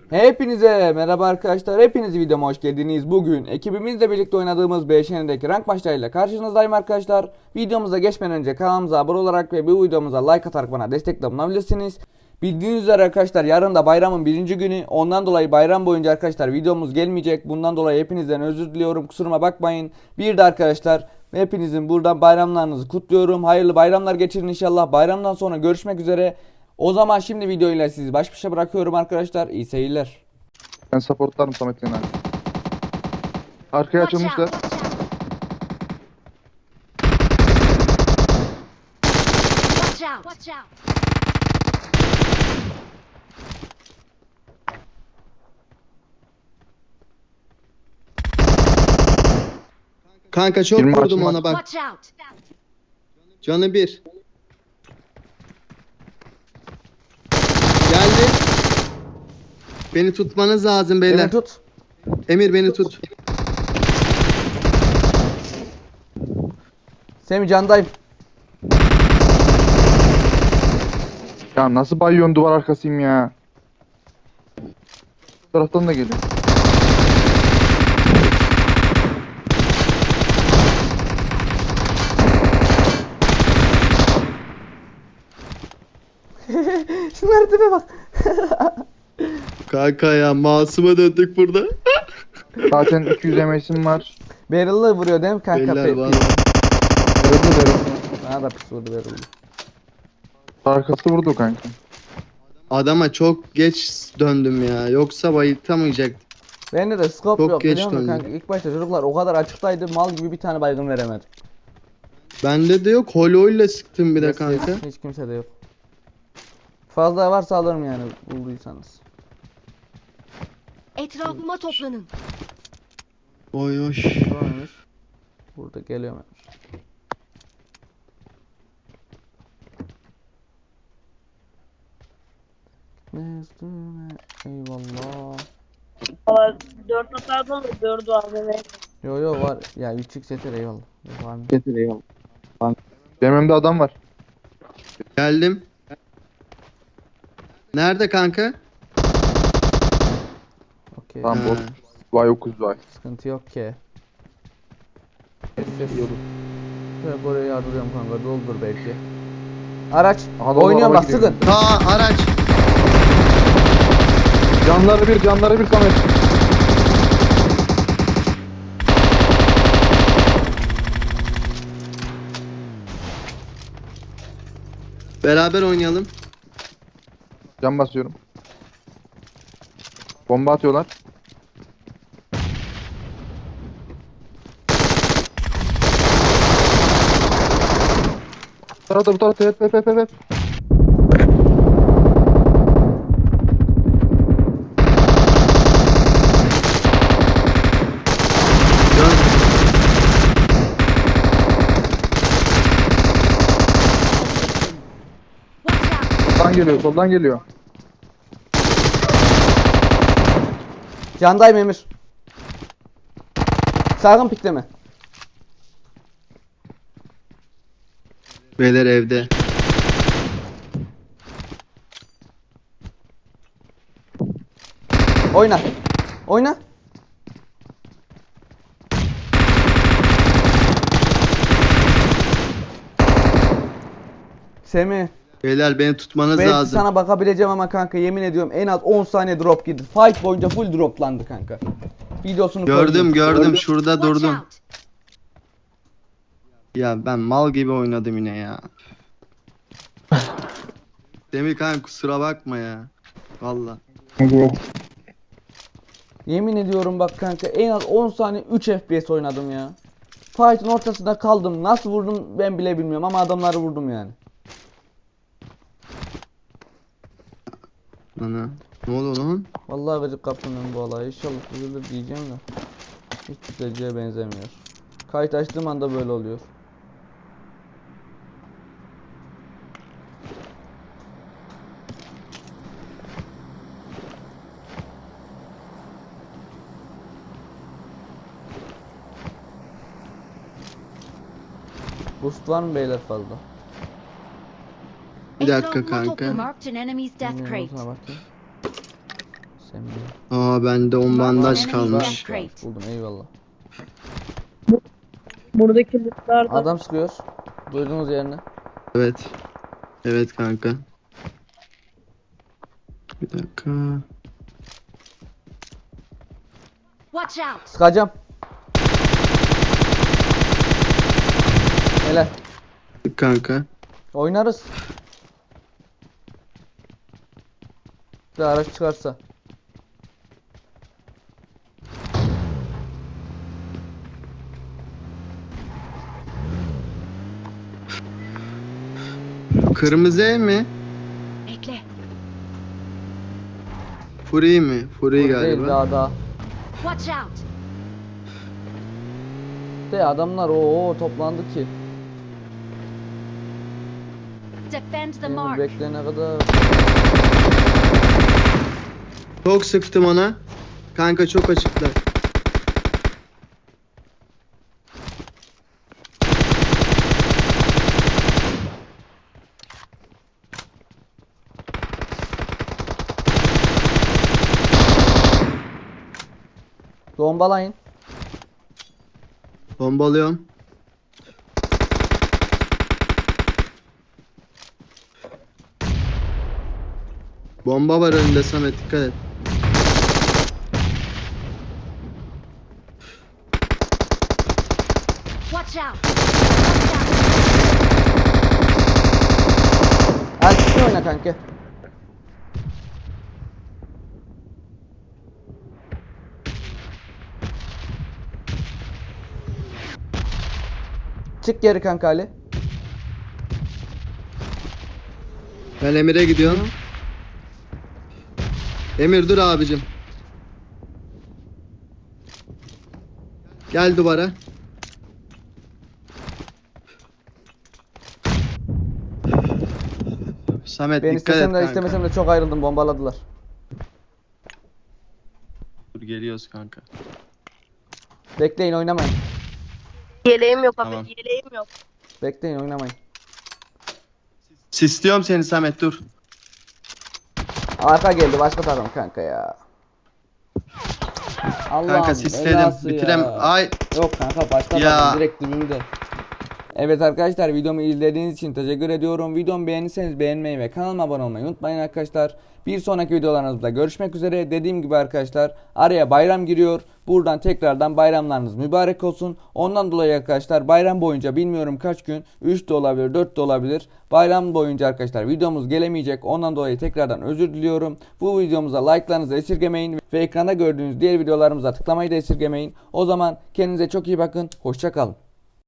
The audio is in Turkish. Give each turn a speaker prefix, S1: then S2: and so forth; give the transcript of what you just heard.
S1: Hepinize merhaba arkadaşlar. Hepiniz videoma hoş geldiniz. Bugün ekibimizle birlikte oynadığımız BŞN'deki rank maçlarıyla karşınızdayım arkadaşlar. Videomuza geçmeden önce kanalımıza abone olarak ve bu videomuza like atarak bana destekle bulunabilirsiniz. Bildiğiniz üzere arkadaşlar yarın da bayramın birinci günü. Ondan dolayı bayram boyunca arkadaşlar videomuz gelmeyecek. Bundan dolayı hepinizden özür diliyorum. Kusuruma bakmayın. Bir de arkadaşlar hepinizin buradan bayramlarınızı kutluyorum. Hayırlı bayramlar geçirin inşallah. Bayramdan sonra görüşmek üzere. O zaman şimdi videoyla sizi baş başa bırakıyorum arkadaşlar. İyi seyirler.
S2: Ben supportlarım Samet Yener. Arkaya açılmışlar.
S3: Watch out! Watch out!
S4: Kanka çok
S2: Yirmi
S4: vurdum
S2: açılma.
S4: ona bak.
S3: Watch out!
S4: Canı bir. Geldi. Beni tutmanız lazım beyler.
S1: Beni tut.
S4: Emir beni tut.
S1: Semih candayım.
S2: Ya nasıl bayıyorsun, duvar arkasıyım ya. Bu taraftan da geliyor.
S1: Şunlara tipe bak.
S4: Kanka ya masuma döndük burada.
S2: Zaten 200 MS'im var.
S1: Barrel'lı vuruyor değil mi kanka?
S4: Beyler var.
S2: Darıldı.
S1: Bana da pis vurdu barrel'lı.
S2: Arkası vurdu kanka.
S4: Adama çok geç döndüm ya. Yoksa bayıltamayacak.
S1: Bende de scope
S4: Çok
S1: yok
S4: geç
S1: biliyor musun
S4: döndü.
S1: kanka? İlk başta çocuklar o kadar açıktaydı mal gibi bir tane baygın veremedim.
S4: Bende de yok. Holo ile sıktım bir de kanka.
S1: Hiç kimse de yok. Fazla varsa alırım yani bulduysanız.
S3: Etrafıma toplanın.
S4: Oy oy.
S1: Varmış. Burada geliyorum. Ne üstüne eyvallah.
S5: Valla 4 atardan da 4 AVM.
S1: Yo var ya 3x yeter eyvallah. Yok, var mı?
S2: Getir eyvallah. Benim önümde adam var.
S4: Geldim. Nerede kanka?
S1: Okey.
S2: Tamam
S4: Ha.
S2: bot. Vay okuz vay.
S1: Sıkıntı yok ki. Ses yok. Şöyle buraya yardırıyorum kanka doldur belki. Araç.
S2: Aha, doldu,
S1: Oynuyorum
S2: araba
S1: bak
S2: gidiyor.
S1: sıkın.
S4: Araç.
S2: Canları bir Samet.
S4: Beraber oynayalım.
S2: Can basıyorum. Bomba atıyorlar. Bu tarafta hep.
S4: Dön.
S3: Watch out!
S2: Soldan geliyor.
S1: Candayım Emir. Sakın pikleme.
S4: Beyler evde.
S1: Oyna. Oyna. Semih.
S4: Beyler beni tutmanız
S1: Belki
S4: lazım.
S1: sana bakabileceğim ama kanka yemin ediyorum en az 10 saniye drop girdi. Fight boyunca full droplandı kanka. Videosunu
S4: Gördüm
S1: koydum.
S4: şurada
S3: Watch
S4: durdum.
S3: out!
S4: Ya ben mal gibi oynadım yine ya. Demir kanka kusura bakma ya. Valla.
S1: Yemin ediyorum bak kanka en az 10 saniye 3 FPS oynadım ya. Fight'ın ortasında kaldım. Nasıl vurdum ben bile bilmiyorum ama adamları vurdum yani.
S4: Ana. Ne oldu lan?
S1: Vallahi gıcık kaptım ben bu olaya. İnşallah düzelir diyeceğim de. Hiç düzeleceğe benzemiyor. Kayıt açtığım anda böyle oluyor. Boost var mı beyler fazla?
S4: Bir dakika
S3: Etrafıma
S4: kanka.
S3: toplanın. Marked an enemy's death
S1: Bilmiyorum,
S3: crate.
S1: sana bakayım.
S4: Aa bende 10 bandaj
S3: Enemies
S4: kalmış.
S3: death crate.
S1: Buldum, eyvallah.
S5: Buradaki lootlar da
S1: Adam sıkıyor. Duydunuz yerini.
S4: Evet. Evet kanka. Bir dakika.
S3: Watch out!
S1: Sıkacağım. Helal.
S4: Kanka.
S1: Oynarız. Bir araç çıkarsa.
S4: Kırmızı ev mi?
S3: Bekle.
S4: Free mi? Free
S1: Değil
S4: galiba.
S1: daha.
S3: Watch out!
S1: De adamlar o toplandı ki.
S3: Defend the
S1: Benim
S3: mark.
S1: bekleyene kadar.
S4: Çok sıktım ona. Kanka çok açıklar.
S1: Bombalayın.
S4: Bombalıyorum. Bomba var önünde Samet, dikkat et.
S3: Watch out! Watch out!
S1: Erkekli oyna kanka. Çık geri kanka Ali.
S4: Ben Emir'e gidiyorum. Emir dur abicim. Gel duvara. Samet
S1: Ben
S4: dikkat et
S1: istesem de
S4: kanka.
S1: istemesem de çok ayrıldım, bombaladılar.
S4: Dur geliyoruz kanka.
S1: Bekleyin, oynamayın.
S5: yeleğim yok abi.
S4: Tamam.
S5: Yeleğim yok.
S1: Bekleyin, oynamayın.
S4: Sisliyorum seni Samet, dur.
S1: Arka geldi başka takım kanka ya. Allah'ım
S4: Kanka sisledim.
S1: belası
S4: Bitirem.
S1: ya.
S4: Ay
S1: Yok kanka başka
S4: Ya.
S1: takım direkt dibimde. Evet arkadaşlar, videomu izlediğiniz için teşekkür ediyorum. Videomu beğendiyseniz beğenmeyi ve kanalıma abone olmayı unutmayın arkadaşlar. Bir sonraki videolarımızda görüşmek üzere. Dediğim gibi arkadaşlar, araya bayram giriyor. Buradan tekrardan bayramlarınız mübarek olsun. Ondan dolayı arkadaşlar bayram boyunca bilmiyorum kaç gün, 3 de olabilir 4 de olabilir. Bayram boyunca arkadaşlar videomuz gelemeyecek. Ondan dolayı tekrardan özür diliyorum. Bu videomuza like'larınızı esirgemeyin ve ekranda gördüğünüz diğer videolarımıza tıklamayı da esirgemeyin. O zaman kendinize çok iyi bakın. Hoşça kalın.